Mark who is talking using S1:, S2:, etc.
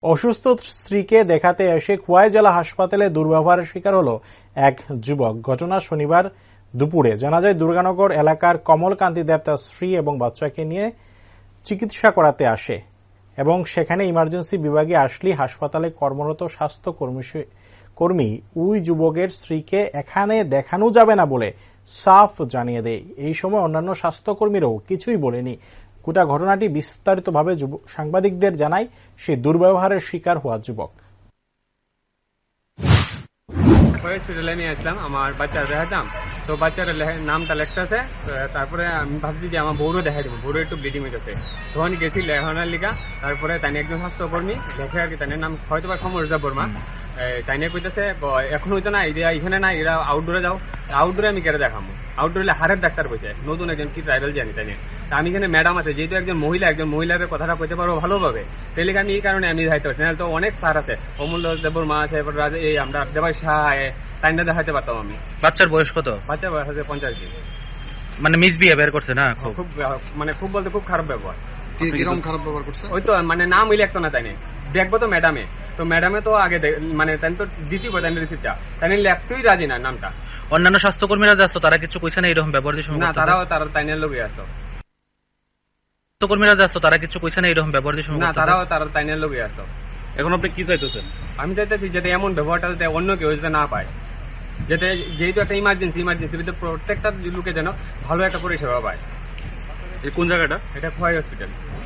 S1: অসুস্থ স্ত্রীকে দেখাতে এসে খোয়াই জেলা হাসপাতালে দুর্ব্যবহারের শিকার হল এক যুবক। ঘটনা শনিবার দুপুরে। জানা যায় দুর্গানগর এলাকার কমলকান্তি দেব তার স্ত্রী এবং বাচ্চাকে নিয়ে চিকিৎসা করাতে আসে এবং সেখানে ইমার্জেন্সি বিভাগে আসলেই হাসপাতালে কর্মরত স্বাস্থ্য কর্মী ওই যুবকের স্ত্রীকে এখানে দেখানো যাবে না বলে সাফ জানিয়ে দেয়। এই সময় অন্যান্য স্বাস্থ্যকর্মীরাও কিছুই বলেনি। গোটা ঘটনাটি বিস্তারিতভাবে সাংবাদিকদের জানায় সেই দুর্ব্যবহারের শিকার হওয়া যুবক।
S2: হসপিটালে নিয়ে আসলাম, আমার বাচ্চা দেখাতাম, তো বাচ্চার নামটা লেখতেছে। তারপরে আমি ভাবছি যে আমার বউরও দেখা দেবো, বউরও একটু ব্লিডিং হইতেছে। তখন গেছি লেখানোর লিগা। তারপরে তাই একজন স্বাস্থ্যকর্মী দেখে আর কি, তাই নাম হয়তো বা সমরজা বর্মা, তাই নিয়ে কইতেছে এখন হইতো না, এখানে না, এরা আউটডোরে যাও। আউটডোরে আমি কেটে দেখাবো, আউটডোরে হারের ডাক্তার কইছে, নতুন একজন কি ট্রাইবেল জানি তাই নিয়ে। আমি এখানে ম্যাডাম আছে, যেহেতু একজন মহিলার কথাটা কইতে পারবো ভালোভাবে, তাহলে আমি এই কারণে আমি যাইতে পারছি না। তো অনেক স্যার আছে, অমূল্য দেববর্মা আছে, এই আমরা দেবাই শাহ, তাই না দেখাতে পারতাম আমি।
S3: বাচ্চার বয়স কত?
S2: বাচ্চার বয়স আছে 85।
S3: মানে মিসবিহেভিয়ার করছে না?
S2: খুব মানে খুব বলতে খুব খারাপ ব্যবহার।
S4: কিরকম খারাপ ব্যবহার করছে?
S2: ওই তো মানে নাম উল্লেখ তো না, তাই না দেখবো তো ম্যাডামে, তো ম্যাডামে তো আগে মানে তাই তো দ্বিতীয় তাই রিসিপ্টটা তাই লেখতেই রাজি না নামটা।
S3: অন্যান্য স্বাস্থ্যকর্মীরা যাচ্ছ, তারা কিছু কইছে না এরকম ব্যবহার?
S2: না, তারা তাইনের লোকে আসতো।
S3: স্বাস্থ্যকর্মীরা যাচ্ছ, তারা কিছু কইছে না এরকম ব্যবহার?
S2: না, তারা তাইনের লোকে আসতো।
S3: এখন আপনি কি চাইতেছেন?
S2: আমি চাইতেছি যাতে এমন ব্যবহারটা যাতে অন্য কেউ যাতে না পায়, যাতে যেহেতু একটা ইমার্জেন্সি প্রত্যেকটা লোকে যেন ভালো একটা পরিষেবা পায়।
S3: কোন জায়গাটা?
S2: এটা খোয়াই হসপিটাল।